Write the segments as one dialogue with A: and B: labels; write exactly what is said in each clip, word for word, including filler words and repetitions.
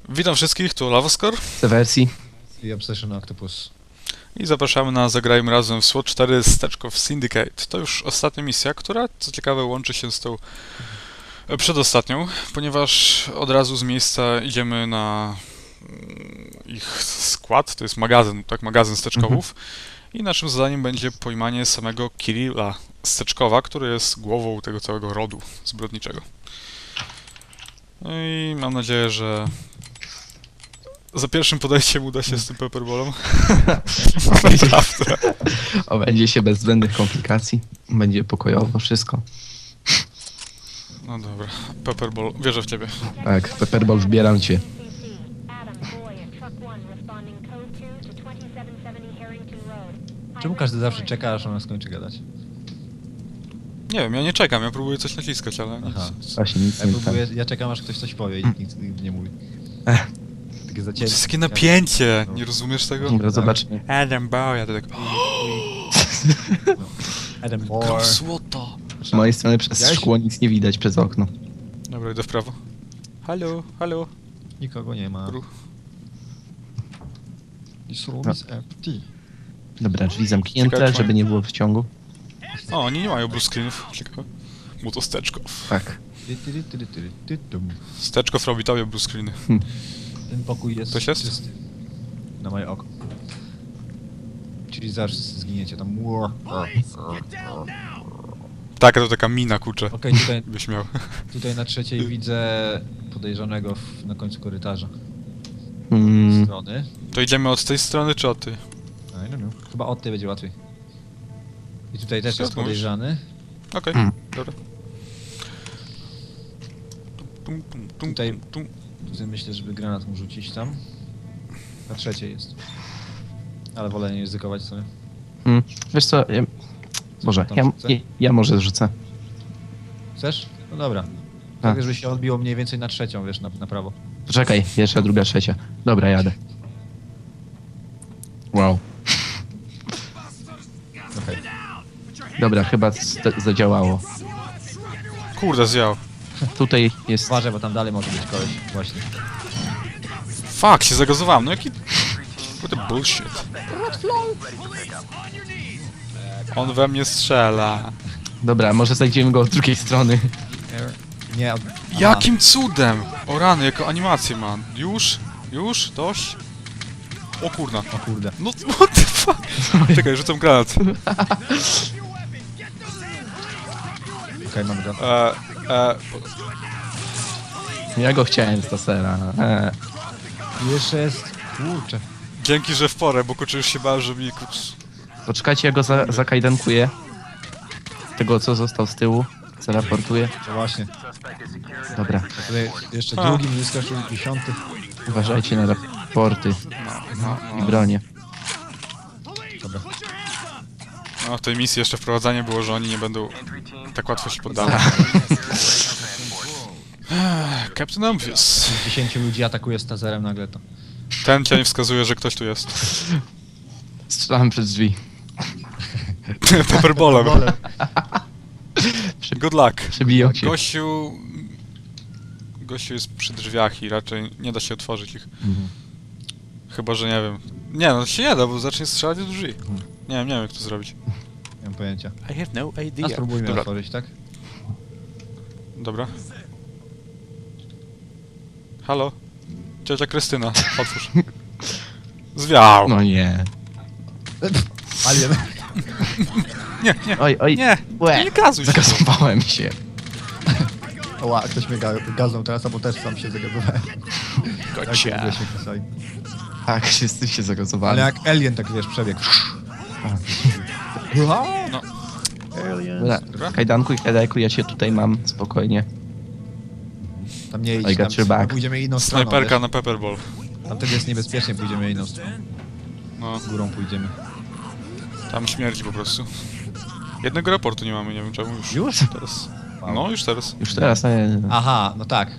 A: Witam wszystkich, tu Lavoskor
B: Wersji.
C: I Obsession Octopus.
A: i zapraszamy na Zagrajmy Razem w SWAT cztery Steczkow Syndicate. To już ostatnia misja, która, co ciekawe, łączy się z tą e, przedostatnią, ponieważ od razu z miejsca idziemy na mm, ich skład, to jest magazyn, tak, magazyn Steczkowów. I naszym zadaniem będzie pojmanie samego Kirilla Steczkowa, który jest głową tego całego rodu zbrodniczego. No i mam nadzieję, że za pierwszym podejściem uda się z tym pepperballem. Naprawdę.
B: Obędzie się bez zbędnych komplikacji. Będzie pokojowo wszystko.
A: No dobra, pepperball, wierzę w ciebie.
B: Tak, Pepperball, wbieram cię.
C: Czemu każdy zawsze czeka, aż ona skończy gadać?
A: Nie wiem, ja nie czekam, ja próbuję coś naciskać, ale nic.
C: Aha.
B: Właśnie nic
C: Ja,
B: nie
C: próbuję, ja czekam, aż ktoś coś powie i nikt nigdy nie mówi.
B: Ech.
C: Takie
A: To
C: zacięcie.
A: jest takie napięcie, nie rozumiesz tego?
B: Dobra, zobaczmy.
A: Adam Bow, ja to tak...
C: Adam Moore.
A: Kam złota!
B: Z mojej strony przez
C: Widziałeś?
B: szkło nic nie widać przez okno.
A: Dobra, idę w prawo. Halo, halo.
C: Nikogo nie ma.
A: Ruch.
C: This room
B: No.
C: is empty.
B: Dobra, drzwi zamknięte,
A: Ciekawe,
B: żeby nie było wciągu.
A: O, oni nie mają blue screenów, ciekawe. Mu to Steczkow.
B: Tak.
C: Ty, ty, ty, ty, ty, ty, tum.
A: Steczkow robi tobie blue screeny.
C: Ten pokój jest
A: Ktoś jest?
C: czysty. Na moje oko. Czyli zaraz zginiecie tam.
A: Tak, to taka mina, kurczę.
C: Okej, tutaj,
A: Byś miał.
C: tutaj na trzeciej widzę podejrzanego w, na końcu korytarza.
B: Mm,
C: Strony.
A: To idziemy od tej strony, czy od tej?
C: A, nie wiem. Chyba od tej będzie łatwiej. I tutaj też
A: Co
C: jest
A: mówisz?
C: podejrzany.
A: Okej,
B: Hmm.
A: dobra. Tum, tum, tum,
C: Tutaj-
A: tum, tum.
C: Tutaj myślę, żeby granat mu rzucić tam. Na trzeciej jest. Ale wolę nie ryzykować sobie.
B: mm, wiesz co, ja... Może,
C: tam
B: ja,
C: rzucę?
B: ja, ja może zrzucę.
C: Chcesz? No dobra.
B: A.
C: Tak, żeby się odbiło mniej więcej na trzecią, wiesz, na, na prawo.
B: Poczekaj, pierwsza, druga, trzecia. Dobra, jadę. Wow.
C: Okej.
B: Dobra, chyba z- zadziałało.
A: Kurde, zjał.
B: Tutaj jest...
C: Uważaj, bo tam dalej może być koleś. Właśnie.
A: Fuck, się zagazowałem, no jaki... What a bullshit. On we mnie strzela.
B: Dobra, może znajdziemy go od drugiej strony.
C: Nie, od...
A: Jakim cudem? O rany, jako animację mam. Już? Już? Dość? O kurna.
C: O kurde.
A: No, what the fuck? Czekaj, rzucam granat.
C: Okej, mamy go.
A: E, e, po-
B: Ja go chciałem z tasera. E,
C: Jeszcze jest... Kurczę.
A: dzięki, że w porę, bo kurczę już się bałem, że mi kurczę...
B: poczekajcie, ja go za zakajdankuję. Tego, co został z tyłu. Zaraportuję.
C: To właśnie.
B: Dobra,
C: A tutaj jeszcze
A: A.
C: drugi mi wyskoczył, dziesiąty.
B: uważajcie na raporty
A: No,
B: i
A: no,
B: bronie.
C: Dobra.
A: no, w tej misji jeszcze wprowadzanie było, że oni nie będą tak łatwo się poddawać. Ech, Captain Obvious.
C: Dziesięciu ludzi atakuje z taserem nagle to.
A: Ten cień wskazuje, że ktoś tu jest.
B: Strzelam przez drzwi.
A: Pepperballem.
C: Wolę.
A: Good luck.
B: Przebiją się.
A: Gościu... Gościu jest przy drzwiach i raczej nie da się otworzyć ich.
B: Mhm.
A: Chyba, że nie wiem. Nie, no się nie da, bo zacznie strzelać do drzwi. Nie wiem, nie wiem jak to zrobić.
C: Nie mam pojęcia.
A: I have no idea.
C: A spróbujmy
A: Dobra,
C: otworzyć, tak?
A: dobra. Halo? Ciocia Krystyna, otwórz. Zwiał!
B: No nie.
C: Alien.
A: Nie, nie,
B: Oj, oj.
A: nie,
B: Łe.
A: nie gazuj się.
B: Zakasowałem się.
C: Oła, ktoś mnie ga gaznął teraz, albo też sam się zagazowałem.
A: Gotcha.
C: Tak, się kasali.
B: Tak, wszyscy się zakasowali.
C: Ale jak alien tak wiesz, przebiegł.
A: No.
B: Dobra,
A: Dobra.
B: kajdanku i kajdanku, ja cię tutaj mam, spokojnie.
C: Tam nie
B: I
C: idź,
B: got
C: tam
B: your back.
C: pójdziemy inną stroną,
A: Snajperka
C: wiesz?
A: na Pepperball.
C: Tam wtedy jest niebezpiecznie, pójdziemy inną stroną.
A: No,
C: Górą pójdziemy.
A: tam śmierdzi po prostu. Jednego raportu nie mamy, nie wiem czemu już.
C: Już?
A: Teraz.
C: Wow.
A: No, już teraz.
B: Już teraz, nie,
C: Aha, no tak.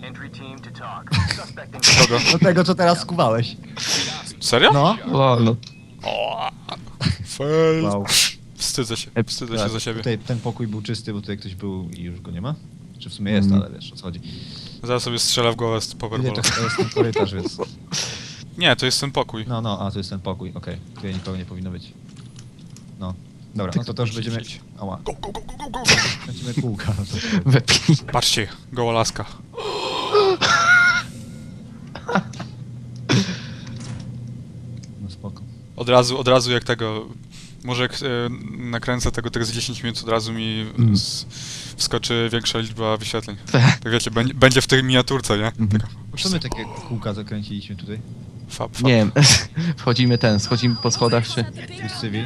A: Kogo?
C: Do tego, co teraz skuwałeś.
A: Serio?
C: No.
B: o, no.
A: O, fail.
C: Wow.
A: Wstydzę się, wstydzę się
C: Tak,
A: za siebie.
C: Tutaj ten pokój był czysty, bo tutaj ktoś był i już go nie ma. Czy w sumie jest,
B: Mhm.
C: ale wiesz o co chodzi.
A: Zaraz sobie strzelę w głowę z
C: Nie,
A: powerballem.
C: to, to jest ten korytarz, więc...
A: Nie, to jest ten pokój.
C: No, no, a to jest ten pokój, okej. Tu ja nikogo nie powinno być. No. Dobra, no to to już będziemy... Ała.
A: Go, go, go, go, go!
C: Kręcimy kółka, no to...
B: Wepnij.
A: Patrzcie, goła laska.
C: No spoko.
A: Od razu, od razu jak tego... Może jak e, nakręcę tego tak z dziesięć minut, od razu mi
B: Mm.
A: z, wskoczy większa liczba wyświetleń.
B: Te.
A: Tak wiecie, będzie, będzie w tej miniaturce, nie?
B: Mhm.
A: Taka,
C: Co my takie kółka zakręciliśmy tutaj?
A: fab, fab.
B: Nie wiem, wchodzimy ten, schodzimy po schodach, czy...
C: Tu jest cywil.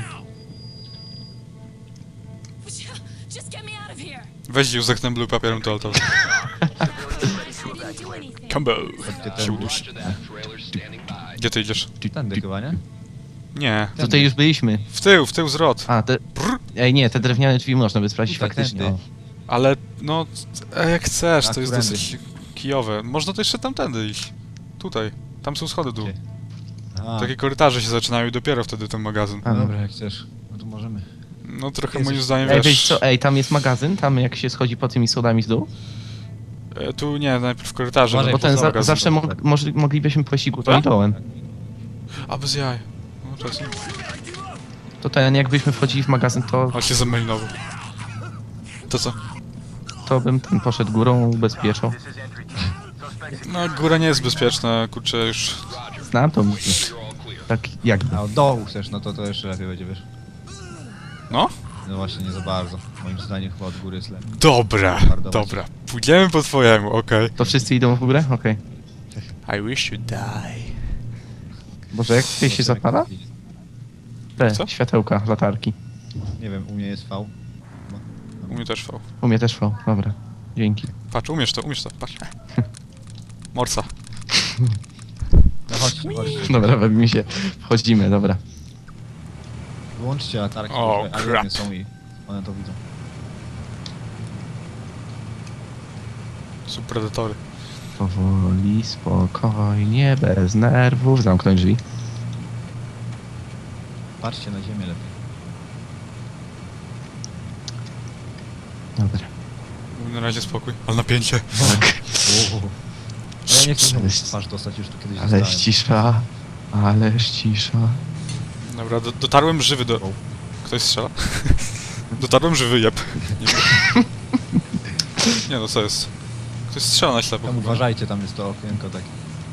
D: Just get me out of here.
A: Weź Józek ten blue papierem toaletowym.
D: Didn't do anything.
A: Combo!
C: Ty ten-
A: Się udusi. Gdzie ty idziesz?
C: Tędy chyba, nie?
A: Nie.
B: Tutaj już byliśmy.
A: W tył, w tył zwrot.
B: A, te...
A: Brr.
B: Ej, nie, te drewniane drzwi można by sprawdzić
C: Tak,
B: faktycznie.
C: tędy.
B: O.
A: Ale no, e, jak chcesz,
C: A,
A: to jest
C: którędy?
A: dosyć kijowe. Można to jeszcze tamtędy iść. Tutaj. Tam są schody dół.
C: Gdzie? A,
A: Takie korytarze się zaczynają i dopiero wtedy ten magazyn.
B: A,
C: no dobra, jak chcesz. No to możemy.
A: No trochę
C: Jezus.
A: moim zdaniem,
B: Ej,
A: wiesz...
B: wiesz co, ej, tam jest magazyn, tam jak się schodzi po tymi schodami z dół.
A: E, tu nie, najpierw korytarze.
C: Uważaj,
A: no
B: Bo ten
A: co
B: za,
A: magazyn.
B: zawsze mo może, moglibyśmy pójść górą i dołem.
A: A, bez jaj. No czasem.
B: To ten, jakbyśmy wchodzili w magazyn, to,
A: Ale się zamelinował. To co?
B: to bym ten poszedł górą, ubezpieczał.
A: No góra nie jest bezpieczna, kurczę już...
B: Znam to mówię. Tak jakby.
C: A od dołu chcesz, no to to jeszcze lepiej będzie, wiesz.
A: No?
C: No właśnie, nie za bardzo. Moim zdaniem chyba od góry jest lepiej.
A: Dobra,
C: Hardować.
A: dobra. Pójdziemy po twojemu, okej.
B: To wszyscy idą w górę? Okej.
A: I wish you die.
B: Boże, jak tutaj się zapala? Te,
A: Co?
B: światełka, latarki.
C: Nie wiem, u mnie jest V.
A: U mnie też V.
B: U mnie też V, dobra. Dzięki.
A: Patrz, umiesz to, umiesz to, patrz. Morsa.
C: No chodźcie, chodźcie.
B: Dobra, bawimy się. Wchodzimy, dobra.
C: Wyłączcie latarki,
A: O,
C: ale
A: crap.
C: nie są i one to widzą.
A: Są predatory.
B: Powoli, spokojnie, bez nerwów. Zamknąć drzwi.
C: Patrzcie na ziemię lepiej.
B: Dobra.
A: Na razie spokój, ale napięcie.
B: Tak.
C: Ale ja nie chcę
B: Ale-
C: twarz dostać, już tu kiedyś
B: Ależ
C: dostałem.
B: cisza. Ależ cisza.
A: Dobra, do, dotarłem żywy do... Ktoś strzela? Dotarłem żywy, jeb. Nie, wiem. Nie no, co jest? Ktoś strzela na ślepo.
C: Tam uważajcie, tam jest to okienko takie.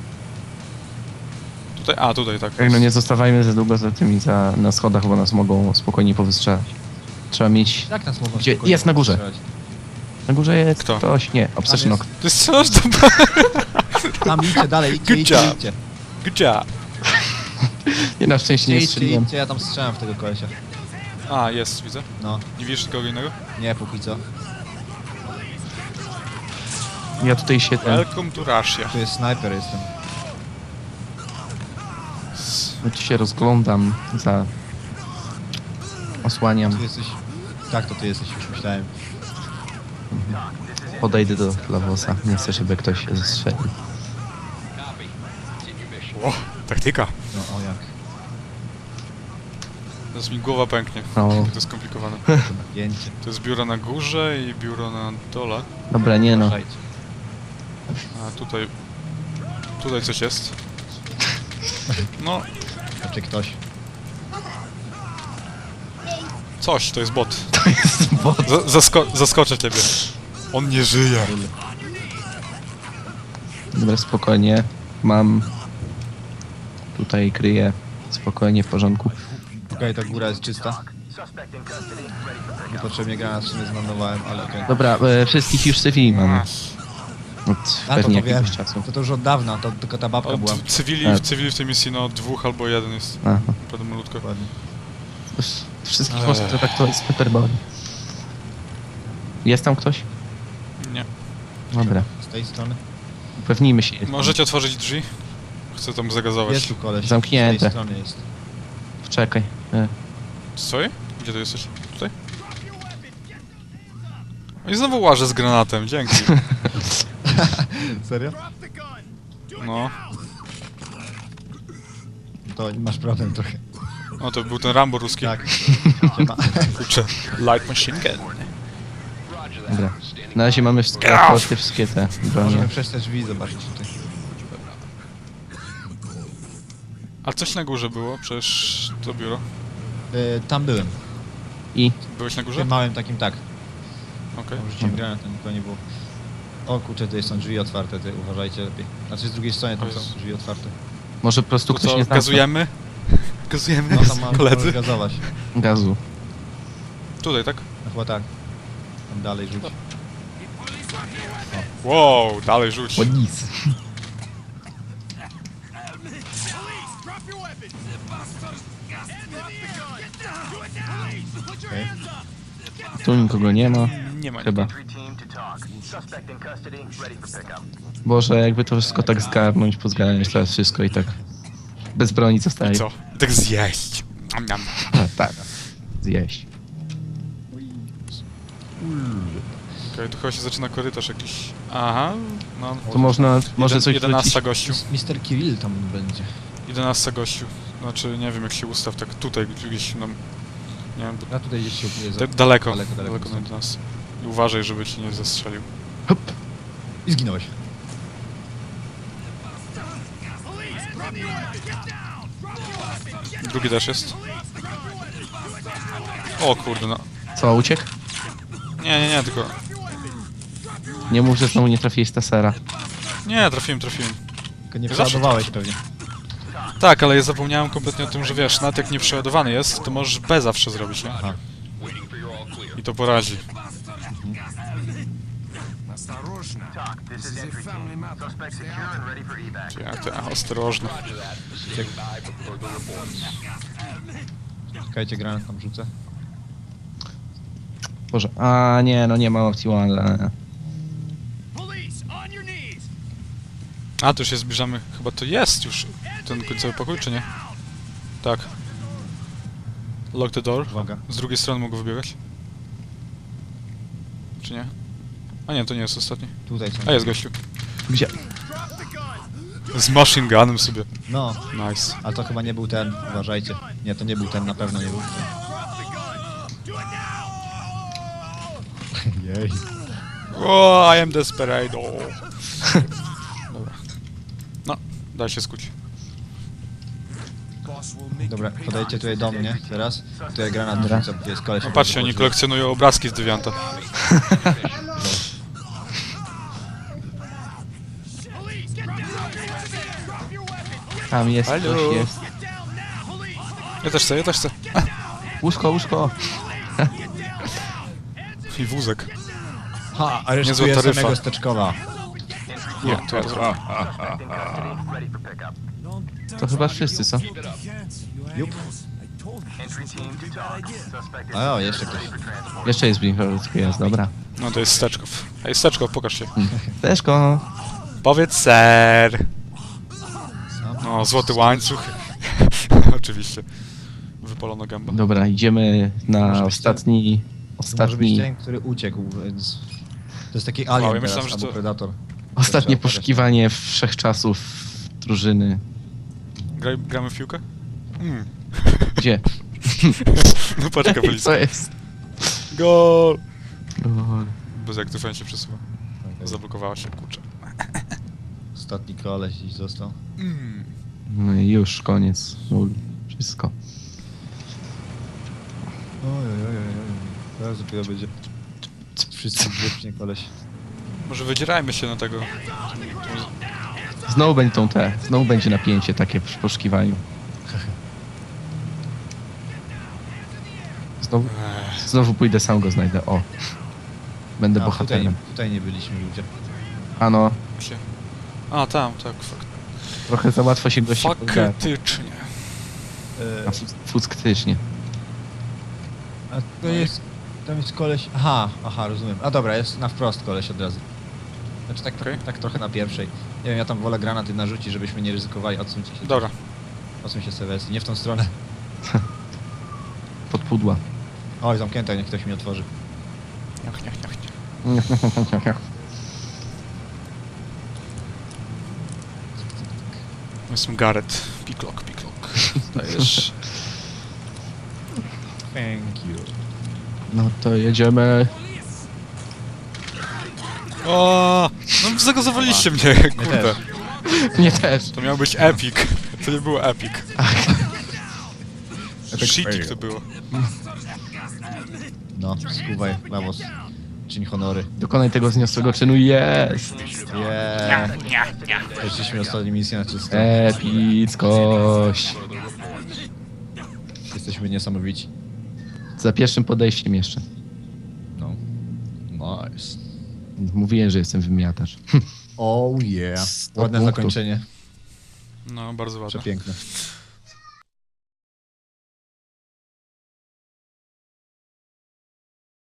A: Tutaj, a tutaj tak.
B: Ej, no nie zostawajmy za długo za tymi za, na schodach, bo nas mogą spokojnie powystrzelać. Trzeba mieć...
C: Jak nas mogą
B: Gdzie?
C: spokojnie
B: Jest na górze.
C: strzelać?
B: Na górze jest
A: Kto?
B: ktoś. Nie, Obsession
C: jest.
B: Knock.
A: Ty strzelasz do...
C: Tam idźcie dalej, idźcie,
A: Good
C: idźcie,
A: job.
C: idźcie.
A: Gdzie?
B: Nie, na szczęście
C: Idźcie,
B: nie
C: idźcie,
B: strzeliłem.
C: idźcie, ja tam strzelam w tego kolesia.
A: A, jest, widzę.
C: No,
A: Nie widzisz kogo innego?
C: nie, póki co.
B: Ja tutaj się ten...
A: Welcome to Russia.
C: Tu jest snajper, jestem.
B: Ja tu się rozglądam za... Osłaniam.
C: Tu jesteś... Tak, to ty jesteś, już myślałem.
B: Podejdę do Lawosa. Nie chcę, żeby ktoś się zestrzelił.
A: O, taktyka.
C: No, o jak.
A: Teraz mi głowa pęknie.
B: O.
A: To jest skomplikowane.
C: To napięcie.
A: To jest biuro na górze i biuro na dole.
B: Dobra, nie no.
C: Uważajcie.
A: A tutaj... Tutaj coś jest. No,
C: Znaczy ktoś.
A: coś, to jest bot.
B: To jest bot.
A: Z zasko zaskoczę ciebie. On nie żyje.
B: Dobra, spokojnie. Mam... Tutaj kryję. Spokojnie, w porządku.
C: Okej, ta góra jest czysta. Niepotrzebnie granat w sumie zmarnowałem, ale okej.
B: Dobra, e, wszystkich już cywili mamy.
A: A,
B: Od
C: A, to
B: pewnie
C: to wiem.
B: jakiegoś czasu.
C: To to już od dawna, to tylko ta babka była.
A: od cywili,
B: Tak.
A: w cywili w tej misji no dwóch albo jeden jest.
B: Aha.
A: Naprawdę malutko.
C: Dokładnie.
B: To wsz- Wszystkich
A: Ech.
B: można traktować z Peterboli. Jest tam ktoś?
A: Nie.
B: Dobra,
C: Z tej strony.
B: upewnijmy się.
A: Możecie otworzyć drzwi? Chcę tam zagazować.
C: Jest tu koleś.
B: Zamknięte.
C: Z tej strony jest.
B: Czekaj. E,
A: Stoi? Gdzie ty jesteś? Tutaj? O, i znowu łażę z granatem, dzięki.
C: Serio?
A: No.
C: To masz problem trochę.
A: No to był ten Rambo ruski.
C: Tak. Siema.
A: Kurczę. Light machine gun.
B: Dobra. Na razie mamy wszystkie, te wszystkie te bronie.
C: Możemy przejść te drzwi i zobaczyć tutaj.
A: A coś na górze było? Przecież to biuro.
C: E, tam byłem.
B: I
A: Byłeś na
C: W
A: górze?
C: tym małym takim tak.
A: Okej.
C: Tam rzuciłem granat, tam nikogo nie było. O kurczę, tutaj są drzwi otwarte, ty uważajcie lepiej. Znaczy z drugiej strony tam
A: O
C: są
A: Jezu.
C: drzwi otwarte.
B: może po prostu
A: Tu
B: ktoś
A: co,
B: nie znał
A: gazujemy? Gazujemy,
C: No tam ma
A: koledzy?
C: gazować.
B: gazu.
A: Tutaj, tak?
C: No chyba tak. Tam dalej rzuć.
A: Wow, dalej rzuć.
B: O nic.
C: Okej.
B: Tu nikogo nie ma.
A: Nie ma
B: Chyba.
E: Entry team to talk. Suspect in custody, ready for pickup.
B: Boże, jakby to wszystko tak zgarnąć, pozgarniać teraz wszystko i tak bez broni
A: I
B: zostaje.
A: co? I tak zjeść. Am, am.
B: A, tak. Zjeść.
A: Okej, tu chyba się zaczyna korytarz jakiś. Aha, no.
B: To można, może
A: Jeden,
B: coś
A: jedenasta
B: wrócić.
A: gościu.
C: mister Kirill tam będzie.
A: jedenasta gościu. Znaczy, nie wiem jak się ustaw, tak tutaj gdzieś, no. Nie wiem, bo
C: Ja tutaj gdzieś się ukryję za...
A: tak daleko,
C: Daleko, daleko
A: daleko
C: stąd.
A: od nas. I uważaj, żeby ci nie zastrzelił.
B: Hop.
C: I zginąłeś.
A: Drugi też jest. O kurde, no.
B: Co, uciekł?
A: Nie, nie, nie, tylko...
B: Nie mów, że znowu nie trafiłeś z tasera.
A: Nie, trafiłem, trafiłem.
C: Tylko nie
A: Zawsze
C: przeładowałeś pewnie.
A: Tak, ale ja zapomniałem kompletnie o tym, że wiesz, nawet jak nie przeładowany jest, to możesz B zawsze zrobić, nie?
C: Aha.
A: I to poradzi.
E: Talk. This is entry team. Suspect secure and ready for evac.
A: Ja, to, a, ostrożnie.
C: Czekajcie, granat tam rzucę.
B: Boże, a nie, no nie ma opcji one.
A: A, tu się zbliżamy. Chyba to jest już ten końcowy pokój, czy nie? Tak. Lock the door.
C: Uwaga.
A: Z drugiej strony mogę wybiegać. Czy nie? A nie, to nie jest ostatni.
C: Tutaj są.
A: A jest gościu.
B: Gdzie?
A: Z machine gunem sobie.
C: No,
A: Nice.
C: ale to chyba nie był ten, uważajcie. Nie, to nie był ten, na pewno nie był. Jej.
A: O, I am desperado. Dobra. No, daj się skuć.
C: Dobra, podejdźcie tutaj do mnie teraz. Tutaj granat
B: Dobra.
C: rzucę, bo tu jest koleś.
A: No patrzcie, oni kolekcjonują obrazki z Devianta.
B: Tam jest,
A: Halo?
B: ktoś jest.
A: Ja też chcę, ja też chcę.
B: Łóżko, łóżko.
A: I wózek.
C: Ha,
A: Niezła
C: aresztuję
A: taryfa.
C: samego Steczkowa.
A: Nie, to ja zrobię.
E: Suspect in custody, ready for pickup.
B: To chyba wszyscy, co?
C: Jup.
E: Entry team to talk. Suspect
C: O, jeszcze ktoś.
B: Jeszcze jest blisko, jest, dobra.
A: No to jest Steczkow. Ej, Steczkow, pokaż się.
B: Teszko.
A: Powiedz ser. No, złoty łańcuch. Oczywiście. Wypalono gęba.
B: Dobra, idziemy na
C: Może być
B: ostatni...
C: To może być
B: Ostatni...
C: ten, który uciekł, więc... To jest taki
A: Wow,
C: alien
A: ja
C: teraz,
A: myślałem, że
C: albo
A: to-
C: predator.
B: Ostatnie
C: Trzeba pokazać.
B: poszukiwanie wszechczasów drużyny.
A: Graj, gramy w piłkę? Mm.
B: Gdzie?
A: No patrz,
B: Co
A: kapelicka.
B: jest?
A: Gol!
B: Lol.
A: Bez jak to się przesuwa.
C: Okej.
A: Zablokowała się, kurczę.
C: Ostatni koleś gdzieś został.
A: Mm.
B: No i już, koniec. Nul. Wszystko.
C: Oj, oj, oj, oj, oj. Teraz dopiero będzie... Wszyscy wiecznie koleś.
A: Może wydzierajmy się na tego.
B: Znowu będą te, znowu będzie napięcie takie w poszukiwaniu. Znowu,
A: Ech,
B: znowu pójdę, sam go znajdę. O. Będę
C: A, tutaj,
B: bohaterem.
C: nie, tutaj nie byliśmy ludzie.
B: Ano,
A: się. A, tam, tak, fakt.
B: trochę za łatwo się gości podgada.
A: Faktycznie.
C: E,
B: A fu- fucktycznie.
C: a to jest... Tam jest koleś... Aha, aha, rozumiem. A dobra, jest na wprost koleś od razu. Znaczy tak,
A: Okej.
C: tak trochę na pierwszej. Nie wiem, ja tam wolę granaty narzucić, żebyśmy nie ryzykowali. Odsuńcie się.
A: Dobra.
C: Odsuń się sobie, nie w tą stronę.
B: Pod pudła.
C: Oj, zamknięte, niech ktoś mi otworzy.
A: Niach, niach, niach, niach. Jestem Gareth. Picklock, picklock. Dajesz.
C: Thank you.
B: No to jedziemy.
A: O, no zagazowaliście mnie,
C: Mnie
A: kurde.
C: też.
B: Mnie też.
A: To miał być epic. To nie było epic. Shitty to było.
C: No, skuwaj, Lawos. Czyń honory.
B: Dokonaj tego zniosłego czynu. Jest!
C: Yeah. Przeszliśmy ostatnią misję na czysto.
B: Epickość.
C: Jesteśmy niesamowici.
B: Za pierwszym podejściem jeszcze.
C: No. Nice.
B: Mówiłem, że jestem wymiatacz.
C: Oh yeah.
B: sto
C: Ładne
B: punktów.
C: zakończenie.
A: No, bardzo ładne.
C: Przepiękne.